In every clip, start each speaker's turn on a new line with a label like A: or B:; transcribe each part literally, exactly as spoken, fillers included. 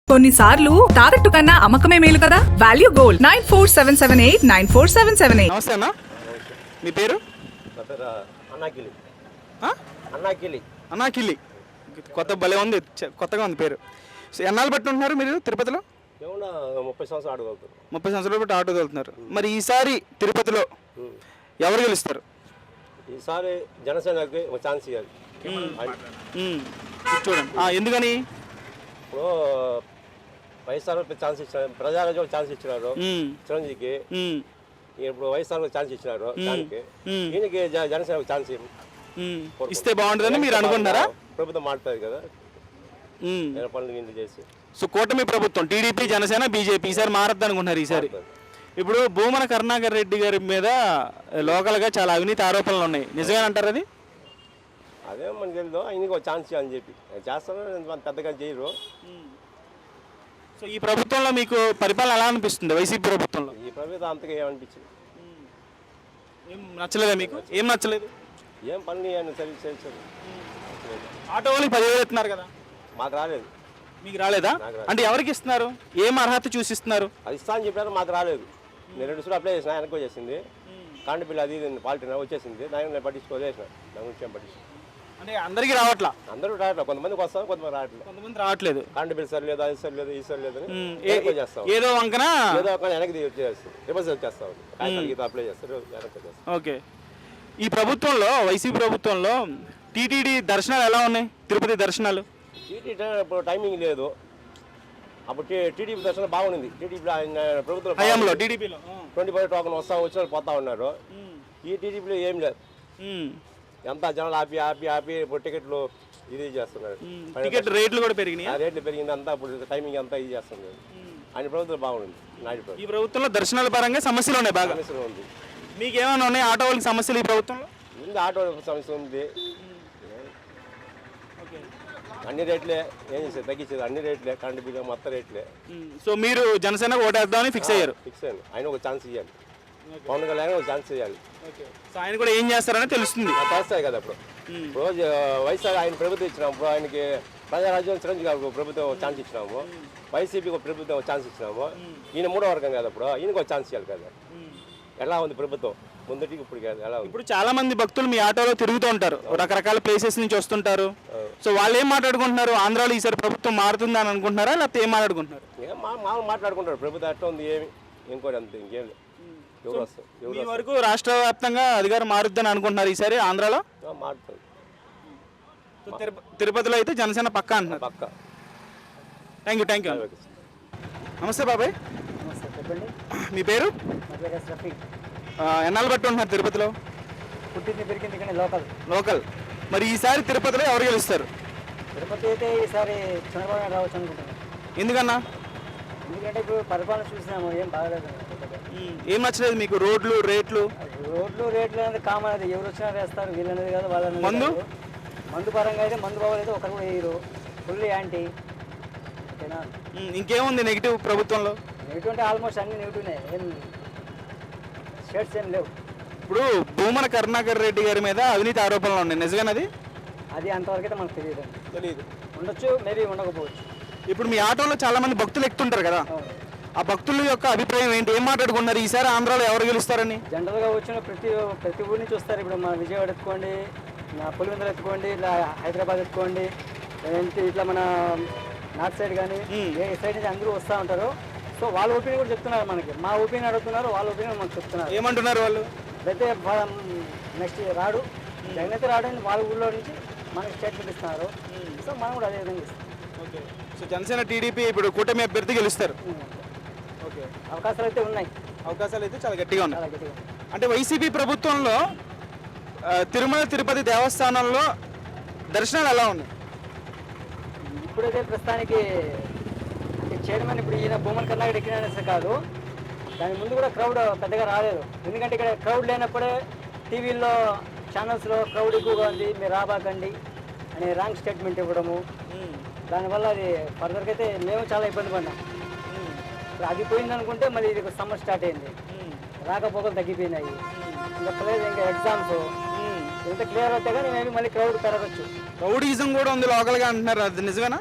A: కొన్నిసార్లు తాకట్టు కన్నా అమ్మకమే మేలు కదా. Value gold nine four seven seven eight nine four seven seven eight.
B: నమస్తే అన్న, మీ పేరు?
C: అన్నాకిలి.
B: అన్నాకిలి అన్నాకిలి కొత్త భలే ఉంది, కొత్తగా ఉంది పేరు. సో ఎన్నాళ్ళు బట్టి ఉంటున్నారు మీరు తిరుపతిలో?
C: ఏమన్నా ముప్పై సంవత్సరాలు ఆటో వెళ్తారు.
B: ముప్పై సంవత్సరాలు బట్టి ఆటో వెళ్తున్నారు. మరి ఈసారి తిరుపతిలో ఎవరు గెలుస్తారు?
C: ఈసారి జనసేనకి ఒక ఛాన్స్ ఇవ్వాలి.
B: చూడండి ఎందుకని?
C: ఇప్పుడు వైఎస్ఆర్ ఛాన్స్ ఇచ్చినారు, ప్రజారాజ్యం ఛాన్స్ ఇచ్చినారు చిరంజీవికి. ఇప్పుడు వైఎస్ఆర్ ఛాన్స్ ఇచ్చినారు దానికి, ఈయనకి జనసేన ఛాన్స్
B: ఇస్తే బాగుంటుందని మీరు అనుకుంటున్నారా?
C: ప్రభుత్వం మాట్లాడుతుంది కదా పనులు గింజలు చేసి.
B: సో కూటమి ప్రభుత్వం టీడీపీ జనసేన బీజేపీ ఈసారి మారద్దు అనుకుంటున్నారు. ఈసారి ఇప్పుడు భూమన కరుణాకర్ రెడ్డి గారి మీద లోకల్గా చాలా అవినీతి ఆరోపణలు ఉన్నాయి, నిజంగా అంటారు అది?
C: అదే మనకి తెలియదు, ఆయనకి ఒక ఛాన్స్ ఇవ్వాలని చెప్పి చేస్తాను, పెద్దగా చేయరు.
B: సో ఈ ప్రభుత్వంలో మీకు పరిపాలన ఎలా అనిపిస్తుంది? వైసీపీ ప్రభుత్వంలో
C: ఈ ప్రభుత్వం అంతగా ఏమనిపించింది?
B: ఏం నచ్చలేదా మీకు? ఏం నచ్చలేదు?
C: ఏం పనులు సర్వీస్ చేయించారు.
B: ఆటో వాళ్ళకి పదివేలు ఇస్తున్నారు కదా,
C: మాకు రాలేదు.
B: మీకు రాలేదా? అంటే ఎవరికి ఇస్తున్నారు? ఏం అర్హత చూసిస్తున్నారు?
C: అది ఇస్తా అని చెప్పారు, మాకు రాలేదు. నేను రెండు సార్లు అప్లై చేసిన, వెనక్కి వచ్చేసింది. కరెంట్ బిల్ అది పాలిటీ వచ్చేసింది, దాన్ని నేను పట్టించుకోలేసిన. దాని గురించి ఏం పట్టించుకో.
B: అంటే అందరికీ రావట్లా?
C: అందరూ రావట్లేదు, కొంతమందికి వస్తాం, కొంతమంది రావట్లేదు.
B: కొంతమంది రావట్లేదు.
C: కరెంట్ బిల్ సరి లేదు, అది సరి లేదు, ఈ సరి లేదు చేస్తాం.
B: ఏదో వంకన
C: ఏదో ఒక వెనక్కి వచ్చేస్తాం, రివర్స్ వచ్చేస్తాం. కాగితాలు అప్లై చేస్తారు, వెనక్కి వచ్చేస్తాం.
B: ఓకే. ఈ ప్రభుత్వంలో వైసీపీ ప్రభుత్వంలో టీటీడీ దర్శనాలు ఎలా ఉన్నాయి? తిరుపతి దర్శనాలు
C: టీటీడీ ఇప్పుడు టైమింగ్ లేదు. అప్పుడు టీడీపీ దర్శనం బాగుంది. టీడీపీ ప్రభుత్వం
B: హయాంలో టీడీపీలో
C: ట్వంటీ ఫైవ్ టోకన్ వస్తా వచ్చిన పోతా ఉన్నారు. ఈ టీడీపీలో ఏం లేదు, ఎంత జనాలు ఆపి ఆపి ఆపి ఇప్పుడు టికెట్లు ఇది చేస్తున్నారు.
B: టికెట్ రేట్లు కూడా పెరిగినాయి,
C: రేట్లు పెరిగింది అంతా. ఇప్పుడు టైమింగ్ అంతా ఇది చేస్తున్నారు. ఆయన ప్రభుత్వం బాగుంది. నాయుడు ప్రభుత్వం.
B: ఈ ప్రభుత్వంలో దర్శనాల పరంగా సమస్యలు ఉన్నాయి, బాగా
C: సమస్యలు ఉంది.
B: మీకు ఏమైనా ఉన్నాయి ఆటో వాళ్ళకి సమస్యలు ఈ ప్రభుత్వంలో?
C: ఉంది, ఆటో సమస్య ఉంది. అన్ని రేట్లే ఏం చేసేది, తగ్గించేది అన్ని రేట్లే, కరెంట్ బిల్లు మొత్తం రేట్లే.
B: సో మీరు జనసేన ఓటేద్దామని ఫిక్స్ అయ్యారు?
C: ఫిక్స్ అయ్యాను. ఆయన ఒక ఛాన్స్ ఇవ్వాలి, పవన్ కళ్యాణ్ ఒక ఛాన్స్ ఇవ్వాలి.
B: సో ఆయన కూడా ఏం చేస్తారని తెలుస్తుంది,
C: చేస్తాయి కదా. ఇప్పుడు రోజు వైఎస్ఆర్ ఆయన ప్రభుత్వం ఇచ్చినాము, ఆయనకి ప్రజారాజ్యం చిరంజీవి గారికి ప్రభుత్వం ఛాన్స్ ఇచ్చినాము, వైసీపీకి ఒక ప్రభుత్వం ఒక ఛాన్స్ ఇచ్చినాము. ఈయన మూడో వర్గం కదా, ఇప్పుడు ఈయనకు ఒక ఛాన్స్ ఇవ్వాలి కదా. ఎలా ఉంది ప్రభుత్వం ముందటికి ఇప్పుడు ఎలా ఉంది?
B: ఇప్పుడు చాలా మంది భక్తులు మీ ఆటోలో తిరుగుతూ ఉంటారు, రకరకాల ప్లేసెస్ నుంచి వస్తుంటారు. సో వాళ్ళు ఏం మాట్లాడుకుంటున్నారు? ఆంధ్రాలో ఈసారి ప్రభుత్వం మారుతుంది అని అనుకుంటున్నారా, లేకపోతే ఏం మాట్లాడుకుంటున్నారు?
C: ఏం మామూలు మాట్లాడుకుంటారు, ప్రభుత్వం ఎట్లా ఉంది ఏమి ఇంకోటి అంతే, ఇంకేం లేదు. ఎవరు వస్తారు?
B: మీ వరకు రాష్ట్ర వ్యాప్తంగా అధికారం మారుద్దని అనుకుంటున్నారు ఈసారి ఆంధ్రాలో?
C: మారుతుంది.
B: తిరుపతిలో అయితే జనసేన పక్కా అంటున్నారు.
C: పక్కా.
B: థ్యాంక్ యూ థ్యాంక్ యూ నమస్తే బాబాయ్.
D: చెప్పండి.
B: మీ పేరు? ఎన్నాళ్ళు బట్టి ఉంటున్నారు తిరుపతిలో?
D: పుట్టింది పెరిగింది కానీ లోకల్.
B: లోకల్. మరి ఈసారి తిరుపతిలో ఎవరు గెలుస్తారు?
D: తిరుపతి అయితే ఈసారి చంద్రబాబు నాయుడు రావచ్చు అనుకుంటున్నాను.
B: ఎందుకన్నా?
D: ఎందుకంటే ఇప్పుడు పరిపాలన చూసినాము, ఏం బాగలేదు.
B: ఏం నచ్చలేదు మీకు? రోడ్లు రేట్లు?
D: రోడ్లు రేట్లు అనేది కామన్, అది ఎవరు వచ్చినా వేస్తారు, వీళ్ళు అనేది కాదు వాళ్ళని.
B: మందు
D: మందు పరంగా అయితే మందు బాగోలేదు, ఒకరు కూడా వేయరు, ఫుల్ యాంటీ. ఓకేనా?
B: ఇంకేముంది నెగిటివ్ ప్రభుత్వంలో?
D: నెగిటివ్ అంటే ఆల్మోస్ట్ అన్ని నెగిటివ్నే, ఏం షేడ్స్ ఏం లేవు.
B: ఇప్పుడు భూమన కరుణాకర్ రెడ్డి గారి మీద అవినీతి ఆరోపణలు ఉన్నాయి, నిజంగానది?
D: అది అంతవరకు అయితే మనకు తెలియదు.
B: తెలియదు,
D: ఉండొచ్చు, మేబీ ఉండకపోవచ్చు.
B: ఇప్పుడు మీ ఆటోలో చాలా మంది భక్తులు ఎక్కుతుంటారు కదా, ఆ భక్తుల యొక్క అభిప్రాయం ఏంటి? ఏం మాట్లాడుకున్నారు ఈసారి ఆంధ్రాలో ఎవరు గెలుస్తారని?
D: జనరల్గా వచ్చిన ప్రతి ప్రతి ఊరి నుంచి వస్తారు. ఇప్పుడు మన విజయవాడ ఎత్తుకోండి, పులివెందులు ఎత్తుకోండి, ఇలా హైదరాబాద్ ఎత్తుకోండి, ఏంటి ఇట్లా మన నార్త్ సైడ్ కానీ ఏ సైడ్ నుంచి అందరూ వస్తూ ఉంటారు. సో వాళ్ళ ఒపీనియన్ కూడా చెప్తున్నారు మనకి, మా ఒపీనియన్ అడుగుతున్నారు, వాళ్ళ ఒపీనియన్ మనకు చెప్తున్నారు.
B: ఏమంటున్నారు వాళ్ళు?
D: అయితే నెక్స్ట్ రాడు, జగన్ అయితే రాడని వాళ్ళ ఊళ్ళో నుంచి మనకి స్టేట్మెంట్ ఇస్తున్నారు. సో మనం కూడా అదే విధంగా ఇస్తాం.
B: ఓకే. సో జనసేన టీడీపీ ఇప్పుడు కూటమి అభ్యర్థి గెలుస్తారు. ఓకే.
D: అవకాశాలు అయితే ఉన్నాయి,
B: అవకాశాలు అయితే చాలా గట్టిగా ఉన్నాయి.
D: చాలా గట్టిగా.
B: అంటే వైసీపీ ప్రభుత్వంలో తిరుమల తిరుపతి దేవస్థానంలో దర్శనాలు ఎలా ఉన్నాయి?
D: ఇప్పుడైతే ప్రస్తుతానికి చైర్మన్ ఇప్పుడు ఈయన భూమన్ కర్ణాటక ఎక్కిన కాదు, దాని ముందు కూడా క్రౌడ్ పెద్దగా రాలేదు. ఎందుకంటే ఇక్కడ క్రౌడ్ లేనప్పుడే టీవీల్లో ఛానల్స్లో క్రౌడ్ ఎక్కువగా ఉంది, మీరు రాబాకండి అనే రాంగ్ స్టేట్మెంట్ ఇవ్వడము, దానివల్ల అది ఫర్దర్గా అయితే మేము చాలా ఇబ్బంది పడ్డాం. ఇప్పుడు అది పోయింది అనుకుంటే మళ్ళీ ఇది సమ్మర్ స్టార్ట్ అయింది, రాకపోకలు తగ్గిపోయినాయి, ఇంకా ప్లేస్ ఇంకా ఎగ్జామ్స్ ఎంత క్లియర్ అవుతాయి కానీ మేబీ మళ్ళీ క్రౌడ్ పెరగచ్చు.
B: రౌడీజం కూడా ఉంది లోకల్గా అంటున్నారు, అది నిజమేనా?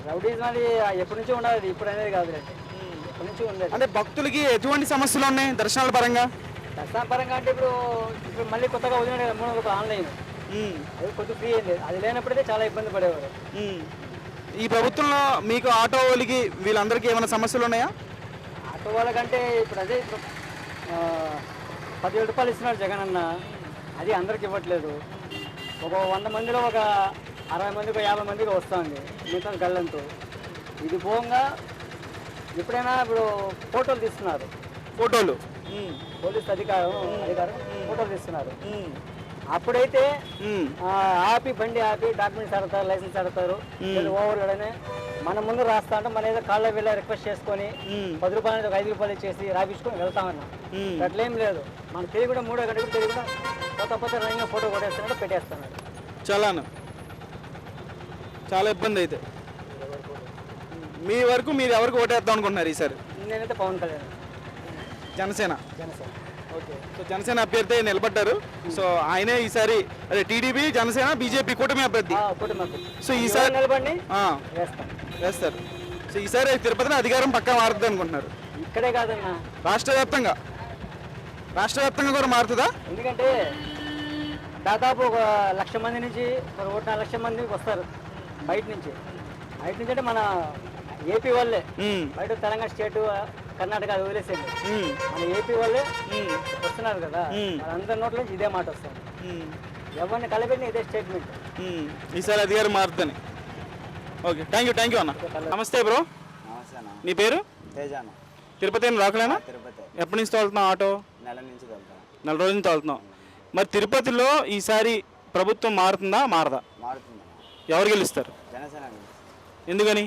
D: రౌడీజం అది ఎప్పటి నుంచో ఉండదు, ఇప్పుడు అనేది కాదు, ఎప్పటి నుంచి ఉండదు.
B: అంటే భక్తులకి ఎటువంటి సమస్యలు ఉన్నాయి దర్శనాల పరంగా?
D: దర్శన పరంగా అంటే ఇప్పుడు ఇప్పుడు మళ్ళీ కొత్తగా వదిలిన మూడు ఒక ఆన్లైన్,
B: ఉమ్,
D: అది కొంచెం ఫ్రీ అయింది, అది లేనప్పుడైతే చాలా ఇబ్బంది పడేవారు.
B: ఉమ్. ఈ ప్రభుత్వంలో మీకు ఆటో వాళ్ళకి వీళ్ళందరికీ ఏమైనా సమస్యలు ఉన్నాయా?
D: ఆటో వాళ్ళకంటే ఇప్పుడు అదే ఇప్పుడు ఆ, పదివేల రూపాయలు ఇస్తున్నాడు జగన్ అన్న, అది అందరికి ఇవ్వట్లేదు. ఒక వంద మందిలో ఒక అరవై మందికి యాభై మందికి వస్తుంది మిగతా గల్లంతు. ఇది పోగా ఎప్పుడైనా ఇప్పుడు ఫోటోలు తీస్తున్నారు,
B: ఫోటోలు
D: పోలీస్ అధికారం అధికారం ఫోటోలు తీస్తున్నారు. అప్పుడైతే
B: ఉమ్,
D: ఆ, ఆపి బండి ఆపి డాక్యుమెంట్స్ అడతారు, లైసెన్స్ అడతారు, ఓవర్ లోడనే మన ముందు రాస్తా అంటే మన ఏదో కాళ్ళ వెళ్ళి రిక్వెస్ట్ చేసుకొని
B: ఉమ్,
D: పది రూపాయలు అనేది ఒక ఐదు రూపాయలు ఇచ్చేసి రాపించుకొని వెళ్తామన్నా.
B: ఉమ్.
D: అట్లేం లేదు, మనకు తెలియకుండా మూడో గంటకు తెలియకుండా కొత్త కొత్త రంగా ఫోటో కొట్టేస్తున్నాడు, పెట్టేస్తున్నాడు.
B: చాలాను చాలా ఇబ్బంది అయితే. మీ వరకు మీరు ఎవరికి ఓటేద్దాం అనుకుంటున్నారు ఈసారి?
D: నేనైతే పవన్ కళ్యాణ్,
B: జనసేన.
D: జనసేన.
B: ఓకే, సో జనసేన అభ్యర్థి నిలబడ్డారు. సో ఆయనే ఈసారి అదే టీడీపీ జనసేన బీజేపీ కూటమి అభ్యర్థి.
D: ఆ, కుటుంబం
B: సో ఈసారి
D: నిలబండి
B: ఆ,
D: వేస్తాం.
B: వేస్తారు. సో ఈసారి తిరుపతిని అధికారం పక్కా మారుతుంది అనుకుంటున్నారు?
D: ఇక్కడే కాదన్నా,
B: రాష్ట్ర వ్యాప్తంగా రాష్ట్ర వ్యాప్తంగా కూడా మారుతుందా?
D: ఎందుకంటే దాదాపు ఒక లక్ష మంది నుంచి ఒక ఒకటి నాలుగు లక్షల మంది వస్తారు బయట నుంచి. బయట నుంచి అంటే మన ఏపీ వాళ్ళే,
B: ఉమ్,
D: బయట తెలంగాణ స్టేట్ కర్ణాటక అది వదిలేసేది,
B: ఉమ్,
D: మన ఏపీ వాళ్ళే
B: ఉమ్,
D: వస్తున్నారు కదా,
B: మ్మ్.
D: వాళ్ళందరి నోట్ల నుంచి ఇదే మాట వస్తుంది.
B: ఉమ్,
D: ఎవరిని కలిపెట్టిన ఇదే స్టేట్మెంట్.
B: ఉమ్. ఈసారి అధికారం మారుతుందని. Okay, thank you thank you అన్న. నమస్తే బ్రో,
E: నమస్తేనా,
B: నీ పేరు?
E: తేజాను,
B: తిరుపతి లోకలేనా?
E: తిరుపతి
B: ఎప్పటి నుంచి తోలుతున్నావు ఆటో?
E: నెల నుంచి వెళ్తాను.
B: నెల రోజుల నుంచి తోలుతున్నావు. మరి తిరుపతిలో ఈసారి ప్రభుత్వం మారుతుందా మారదా?
E: మారుతుందా,
B: ఎవరు గెలుస్తారు?
E: జనసేన
B: ఎందుకని?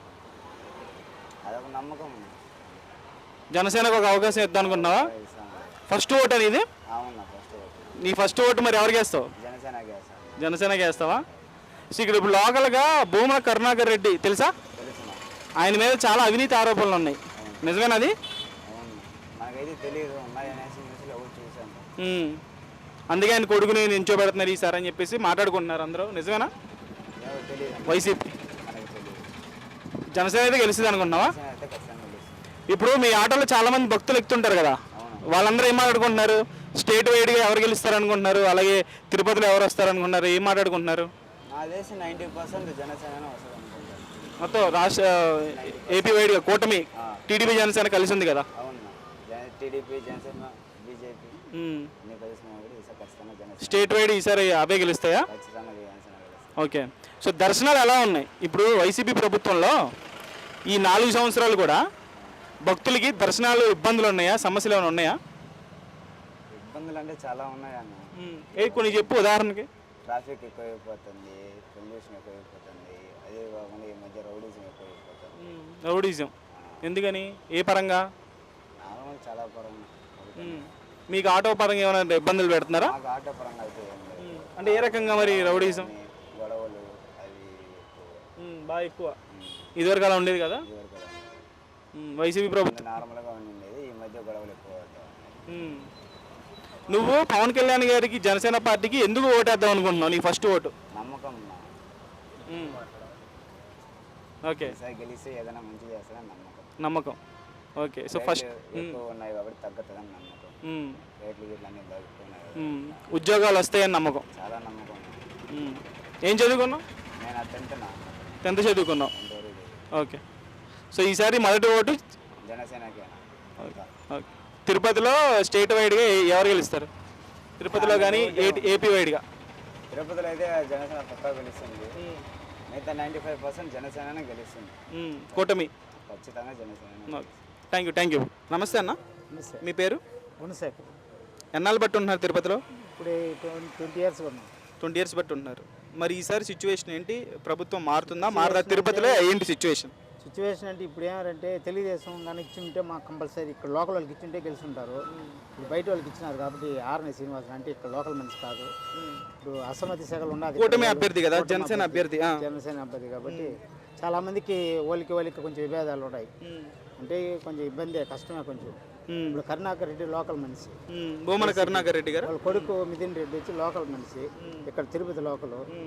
E: అదొక నమ్మకం ఉంది.
B: జనసేనకు ఒక అవకాశం ఇద్దాం అనుకుంటున్నావా?
E: ఇస్తాను.
B: ఫస్ట్ ఓట్ అనేది
E: అవునా, ఫస్ట్ ఓటు
B: నీ ఫస్ట్ ఓటు మరి ఎవరికి వేస్తావు?
E: జనసేనకి వేస్తాను.
B: జనసేనకి వేస్తావా? సో ఇక్కడ ఇప్పుడు లోకల్గా భూమన కరుణాకర్ రెడ్డి తెలుసా?
E: తెలుసు నాకు.
B: ఆయన మీద చాలా అవినీతి ఆరోపణలు ఉన్నాయి, నిజమేనది?
E: అవును, మనకైతే తెలియదు, ఉన్నాయనేసి న్యూస్లో ఎవరు చూశాను.
B: ఉమ్. అందుకే ఆయన కొడుకుని నించోబెడుతున్నారు ఈసారి అని చెప్పేసి మాట్లాడుకుంటున్నారు అందరూ, నిజమేనా?
E: ఎవరు తెలియదు,
B: వైసీపీ
E: మనకి తెలియదు.
B: జనసేన అయితే గెలుస్తుంది అనుకుంటున్నావా?
E: జనసేన అయితే ఖచ్చితంగా తెలుస్తుంది.
B: ఇప్పుడు మీ ఆటోలో చాలా మంది భక్తులు ఎక్కుతుంటారు కదా,
E: అవును,
B: వాళ్ళందరూ ఏం మాట్లాడుకుంటున్నారు? స్టేట్ వైడ్గా ఎవరు గెలుస్తారు అనుకుంటున్నారు? అలాగే తిరుపతిలో ఎవరు వస్తారు అనుకుంటున్నారు? ఏం మాట్లాడుకుంటున్నారు?
E: నా దేశం నైంటీ పర్సెంట్ జనసేన వస్తుంది అనుకుంటాను.
B: మొత్తం రాష్ట్ర ఏపీ వైడ్గా కూటమి టీడీపీ జనసేన కలిసి ఉంది కదా.
E: అవును, జన టీడీపీ జనసేన బీజేపీ
B: ఉమ్.
E: అన్ని కలిసిన కూడా ఈసారి ఖచ్చితంగా జనసేన
B: స్టేట్ వైడ్ ఈసారి అవే గెలుస్తాయా?
E: ఖచ్చితంగా జనసేన గెలుస్తుంది.
B: ఓకే, సో దర్శనాలు ఎలా ఉన్నాయి ఇప్పుడు వైసీపీ ప్రభుత్వంలో? ఈ నాలుగు సంవత్సరాలు కూడా భక్తులకి దర్శనాలు ఇబ్బందులు ఉన్నాయా, సమస్యలు ఏమైనా ఉన్నాయా?
E: ఇబ్బందులు అంటే చాలా ఉన్నాయి అన్న.
B: ఏ కొన్ని చెప్పు ఉదాహరణకి.
E: ట్రాఫిక్ ఎక్కువైపోతుంది, పొల్యూషన్ ఎక్కువైపోతుంది, అదే కాకుండా ఈ మధ్య రౌడీజం ఎక్కువైపోతుంది.
B: రౌడీజం ఎందుకని? ఏ పరంగా?
E: నార్మల్ చాలా పరంగా
B: ఉమ్. మీకు ఆటో పరంగా ఏమైనా ఇబ్బందులు పెడుతున్నారా?
E: మాకు ఆటో పరంగా అయితే ఏం లేదు.
B: అంటే ఏ రకంగా మరి రౌడీజం?
E: కొన్ని గొడవలు అవి ఎక్కువ.
B: బాగా ఎక్కువ. ఇదివరకు అలా ఉండేది కదా
E: ఇదివరకు అలా ఉండేది.
B: ఉమ్, వైసీపీ ప్రభుత్వం.
E: నార్మల్గా ఉండేది, ఈ మధ్య గొడవలు ఎక్కువ అవుతాయి.
B: ఉమ్. నువ్వు పవన్ కళ్యాణ్ గారికి జనసేన పార్టీకి ఎందుకు ఓటేద్దాం అనుకుంటున్నావు? నీ ఫస్ట్ ఓటు?
E: నమ్మకం నా.
B: ఉమ్. ఓకే,
E: ఈసారి గెలిస్తే ఏదైనా మంచి చేస్తారని నమ్మకం.
B: నమ్మకం. ఓకే, సో ఫస్ట్
E: రేట్లు ఎక్కువ ఉన్నాయి కాబట్టి తగ్గుతుందని నమ్మకం.
B: ఉమ్.
E: రేట్లు గిట్లు అన్నీ తగ్గుతున్నాయి.
B: ఉమ్. ఉద్యోగాలు వస్తాయని నమ్మకం.
E: చాలా నమ్మకం.
B: ఉమ్. ఏం చదువుకున్నావు?
E: నేను ఆ టెన్త్ నా
B: టెన్త్ చదువుకున్నావు.
E: టెన్త్ వరకు చదివాను.
B: ఓకే, సో ఈసారి మొదటి ఓటు
E: జనసేనకేనా?
B: ఓకే. తిరుపతిలో స్టేట్ వైడ్గా ఎవరు గెలుస్తారు? తిరుపతిలో కానీ ఏపీ వైడ్గా?
E: తిరుపతిలో అయితే జనసేన పక్కా గెలుస్తుంది. మిగతా నైంటీ ఫైవ్ పర్సెంట్ జనసేననే గెలుస్తుంది.
B: ఉమ్, కూటమి.
E: ఖచ్చితంగా Janasena.
B: Thank you thank you. నమస్తే అన్న, మీ పేరు?
D: గుణశేఖర్.
B: ఎన్నాళ్ళు బట్టి ఉంటున్నారు తిరుపతిలో?
D: ఇప్పుడు ట్వంటీ ఇయర్స్ ఉన్నాం.
B: ట్వంటీ ఇయర్స్ బట్టి ఉంటున్నారు. మరి ఈసారి సిచ్యువేషన్ ఏంటి? ప్రభుత్వం మారుతుందా మారదా? తిరుపతిలో ఏంటి సిచ్యువేషన్?
F: సిచ్యువేషన్ అంటే ఇప్పుడు ఏమంటే తెలుగుదేశం కానీ ఇచ్చి ఉంటే మాకు కంపల్సరీ ఇక్కడ లోకల్ వాళ్ళకి ఇచ్చి ఉంటే గెలుచుంటారు. ఇప్పుడు బయట వాళ్ళకి ఇచ్చినారు కాబట్టి ఆర్ఎన్ శ్రీనివాసన్ అంటే ఇక్కడ లోకల్ మనిషి కాదు. ఇప్పుడు అసమ్మతి శాఖలు ఉన్నది
B: కూటమి అభ్యర్థి కదా, జనసేన అభ్యర్థి.
F: జనసేన అభ్యర్థి కాబట్టి చాలా మందికి ఓలికి ఓలికి కొంచెం విభేదాలు ఉన్నాయి. అంటే కొంచెం ఇబ్బంది, కష్టమే కొంచెం. ఇప్పుడు కరుణాకర్ రెడ్డి లోకల్ మనిషి,
B: భూమన కరుణాకర్ రెడ్డి గారు
F: వాళ్ళ కొడుకు మిథున్ రెడ్డి వచ్చి లోకల్ మనిషి, ఇక్కడ తిరుపతి లోకల్.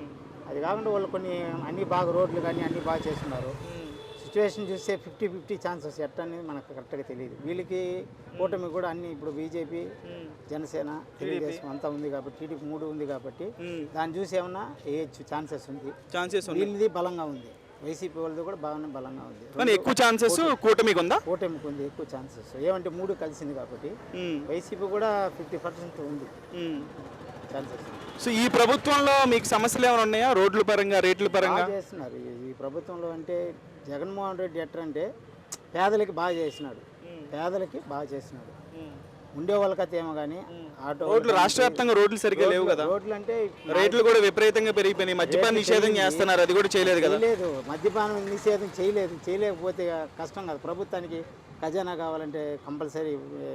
F: అది కాకుండా వాళ్ళు కొన్ని అన్ని బాగా రోడ్లు కానీ అన్ని బాగా చేస్తున్నారు. సిచ్యువేషన్ చూస్తే ఫిఫ్టీ ఫిఫ్టీ ఛాన్సెస్ ఎట్ట అనేది మనకు కరెక్ట్గా తెలియదు. వీళ్ళకి కూటమి కూడా అన్ని ఇప్పుడు బీజేపీ, జనసేన, తెలుగుదేశం అంతా ఉంది కాబట్టి, టీడీపీ మూడు ఉంది కాబట్టి దాన్ని చూసి ఏమన్నా వేయచ్చు ఛాన్సెస్ ఉంది.
B: ఛాన్సెస్
F: వీళ్ళది బలంగా ఉంది, వైసీపీ వాళ్ళది కూడా బాగానే బలంగా ఉంది.
B: కానీ ఎక్కువ ఛాన్సెస్ కూటమికి ఉందా?
F: కూటమికి ఉంది ఎక్కువ ఛాన్సెస్. ఏమంటే మూడు కలిసింది కాబట్టి వైసీపీ కూడా ఫిఫ్టీ పర్సెంట్ ఉంది ఛాన్సెస్.
B: సో ఈ ప్రభుత్వంలో మీకు సమస్యలు ఏమైనా ఉన్నాయా? రోడ్ల పరంగా, రేట్ల పరంగా
F: బాగా చేస్తున్నారు ఈ- ఈ ప్రభుత్వంలో. అంటే జగన్మోహన్ రెడ్డి ఎట్లంటే పేదలకి బాగా చేసినాడు, పేదలకి బాగా చేసినాడు. ఉండే వాళ్ళకైతే ఏమో కానీ ఆటో
B: రోడ్లు రాష్ట్ర వ్యాప్తంగా రోడ్లు సరిగ్గా లేవు కదా,
F: రోడ్లు అంటే
B: రేట్లు కూడా విపరీతంగా పెరిగిపోయినాయి. మద్యపాన నిషేధం చేస్తున్నారు, అది కూడా చేయలేదు కదా.
F: చేయలేదు, మద్యపానం నిషేధం చేయలేదు. చేయలేకపోతే కష్టం కదా. ప్రభుత్వానికి ఖజానా కావాలంటే కంపల్సరీ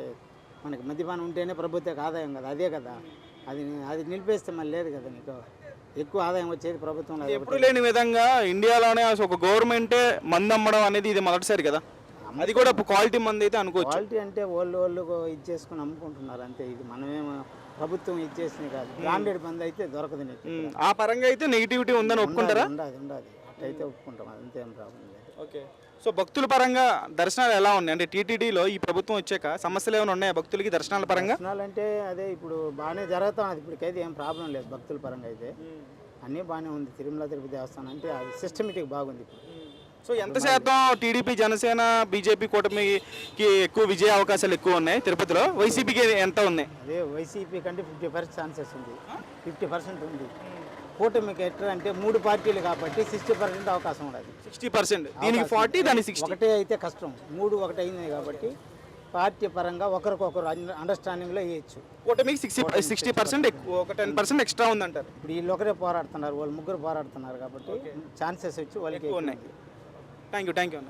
F: మనకి మద్యపానం ఉంటేనే ప్రభుత్వానికి ఆదాయం కదా, అదే కదా. అది అది నిలిపేస్తే మళ్ళీ లేదు కదా, నీకు ఎక్కువ ఆదాయం వచ్చేది ప్రభుత్వంలో.
B: ఎప్పుడు లేని విధంగా ఇండియాలోనే అసలు ఒక గవర్నమెంటే మందు అమ్మడం అనేది ఇది మొదటిసారి కదా. అది కూడా క్వాలిటీ మంది అయితే అనుకోవచ్చు.
F: క్వాలిటీ అంటే వాళ్ళు వాళ్ళు ఇది చేసుకుని అమ్ముకుంటున్నారు అంతే. ఇది మనమేమో ప్రభుత్వం ఇచ్చేసింది కాదు. బ్రాండెడ్ మంది అయితే దొరకదు నీకు.
B: ఆ పరంగా అయితే నెగిటివిటీ ఉందని ఒప్పుకుంటారా?
F: ఉండదు ఉండదు అట్లయితే ఒప్పుకుంటాం, అంతేం ప్రాబ్లం లేదు.
B: ఓకే. సో భక్తుల పరంగా దర్శనాలు ఎలా ఉన్నాయి? అంటే టీటీడీలో ఈ ప్రభుత్వం వచ్చాక సమస్యలు ఏమైనా ఉన్నాయా భక్తులకి దర్శనాల పరంగా?
F: దర్శనాలు అంటే అదే ఇప్పుడు బాగానే జరుగుతా ఉన్నది. ఇప్పటికైతే ఏం ప్రాబ్లం లేదు భక్తుల పరంగా అయితే, అన్నీ బాగానే ఉంది. తిరుమల తిరుపతి దేవస్థానం అంటే అది సిస్టమేటిక్ బాగుంది ఇప్పుడు.
B: సో ఎంత శాతం టీడీపీ, జనసేన, బీజేపీ కూటమికి ఎక్కువ విజయ అవకాశాలు ఎక్కువ ఉన్నాయి తిరుపతిలో? వైసీపీకి ఎంత ఉన్నాయి?
F: అదే వైసీపీ కంటే ఫిఫ్టీ పర్సెంట్ ఛాన్సెస్ ఉంది, ఫిఫ్టీ పర్సెంట్ ఉంది. కూటమికి ఎట్లా అంటే మూడు పార్టీలు కాబట్టి సిక్స్టీ పర్సెంట్ అవకాశం ఉండదు.
B: సిక్స్టీ పర్సెంట్ దీనికి ఫార్టీ, దానికి సిక్స్టీ.
F: ఒకటే అయితే కష్టం, మూడు ఒకటి అయింది కాబట్టి పార్టీ పరంగా ఒకరికొకరు అండర్స్టాండింగ్లో వేయచ్చు.
B: కూటమికి సిక్స్టీ సిక్స్టీ పర్సెంట్ ఎక్కువ, ఒక టెన్ పర్సెంట్ ఎక్స్ట్రా ఉందంటారు.
F: ఇప్పుడు వీళ్ళు ఒకరే పోరాడుతున్నారు, వాళ్ళు ముగ్గురు పోరాడుతున్నారు కాబట్టి ఛాన్సెస్ వచ్చి వాళ్ళకి
B: ఎక్కువ ఉన్నాయి. థ్యాంక్ యూ థ్యాంక్ యూ అన్న.